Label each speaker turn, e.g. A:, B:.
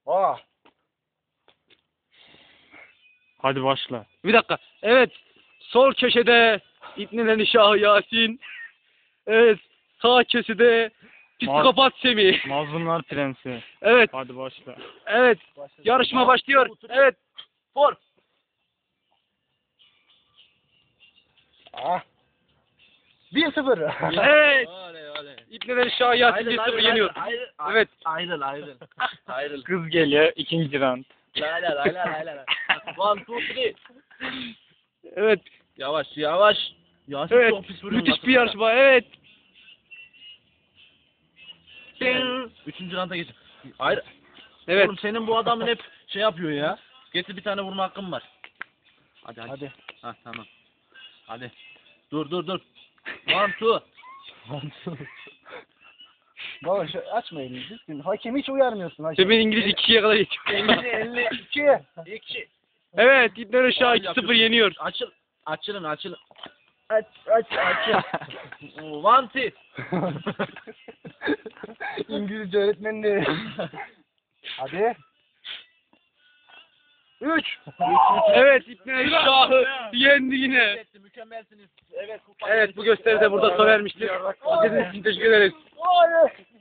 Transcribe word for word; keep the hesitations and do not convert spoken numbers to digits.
A: Aa.
B: Hadi başla.
C: Bir dakika. Evet. Sol köşede İbn Şah Yasin. Evet. Sağ köşede psikopat Semih.
B: Mazlumlar Prensi.
C: Evet.
B: Hadi başla.
C: Evet. Yarışma başlıyor. Evet. For.
A: Ah. bir sıfır.
C: Evet.
D: Oley oley.
C: İbn Şah Yasin bir sıfır yeniyor.
D: Ayrıl.
C: Evet.
D: Ayrıl ayrıl. Ayrıl.
B: Kız geliyor. ikinci round.
D: La la la la la la. One two three.
C: Evet.
D: Yavaş yavaş. Yasin
C: Evet.
D: çok pis vuruyor.
C: Müthiş bir yarışma. Evet.
D: Üçüncü ranta geç. Ayrı.
C: Evet.
D: Oğlum senin bu adamın hep şey yapıyor ya. Getir bir tane vurma hakkım var. Hadi hadi.
A: Hadi.
D: Ha tamam. Hadi. Dur dur dur. One two.
A: Baba şu açma elini. Düzgün. Hakemi hiç uyarmıyorsun. Hakem.
C: Semih İngiliz ikiye kadar geçiyor.
A: elli iki.
D: İki.
C: Evet. İbn Şah iki sıfır yeniyor.
D: Açıl. Açılın açılın.
A: Aç aç aç.
D: One two.
A: İngilizce öğretmenini. Hadi. Üç.
C: Evet. İbn Şah'ı yendi yine.
D: Mükemmelsiniz. Evet.
C: Evet. Bu gösteri de burada sona ermiştir. İzlediğiniz için teşekkür ederiz.
A: Hayır.